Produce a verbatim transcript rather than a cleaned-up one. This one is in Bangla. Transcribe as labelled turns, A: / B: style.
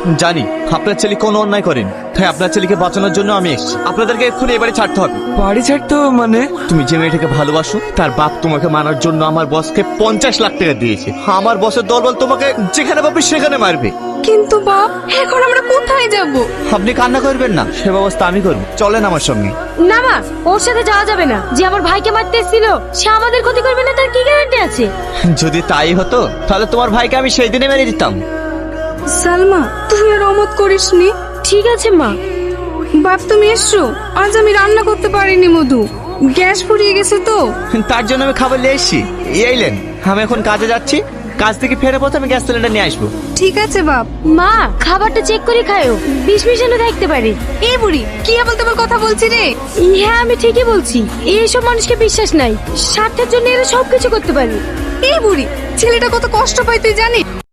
A: জানি আপনার ছেলে কোনো অন্যায় করেন, তাই আপনার ছেলেকে বাঁচানোর জন্য আমি এসেছি। আপনাদেরকে এক্ষুনি এবারে ছাড়তে হবে।
B: বাড়ি ছাড়তে হবে মানে?
A: তুমি যে মেয়েটাকে ভালোবাসো তার বাপ তোমাকে মারার জন্য আমার বসকে পঞ্চাশ লাখ টাকা দিয়েছে। আমার বসের দলবল তোমাকে যেখানে পাবে সেখানে মারবে।
C: কিন্তু বাপ, এখন আমরা কোথায় যাব?
A: আপনি কান্না করবেন না, সে ব্যবস্থা আমি করবো। চলেন আমার সঙ্গে।
D: না মা, ওর সাথে যাওয়া যাবে না। যে আমার ভাইকে মারতে এসেছিল সে আমাদের ক্ষতি করবে না, তার কি গ্যারান্টি আছে?
A: যদি তাই হতো তাহলে তোমার ভাইকে আমি সেই দিনে মেরে দিতাম।
C: সালমা, তুই আর অমত করিসনি।
D: ঠিক আছে মা।
C: বাপ তুমি এসছো, আজ আমি রান্না করতে পারিনি মধু, গ্যাস ফুরিয়ে গেছে তো।
A: তার জন্য আমি খাবার নিয়ে এসেছি। এইলেন, আমি এখন কাজে যাচ্ছি, কাজ থেকে ফেরে পথে আমি গ্যাস সিলিন্ডার নিয়ে আসবো।
C: ঠিক আছে বাপ।
D: মা, খাবারটা চেক করে খায়ো, বিষ মিশানো থাকতে পারে।
C: এই বুড়ি কি আবল তাবল কথা বলছি রে?
D: হ্যাঁ, আমি ঠিকই বলছি। এইসব মানুষকে বিশ্বাস নাই, স্বার্থের জন্য এরা সবকিছু করতে পারে।
C: এই বুড়ি, ছেলেটা কত কষ্ট পায় তুই জানিস?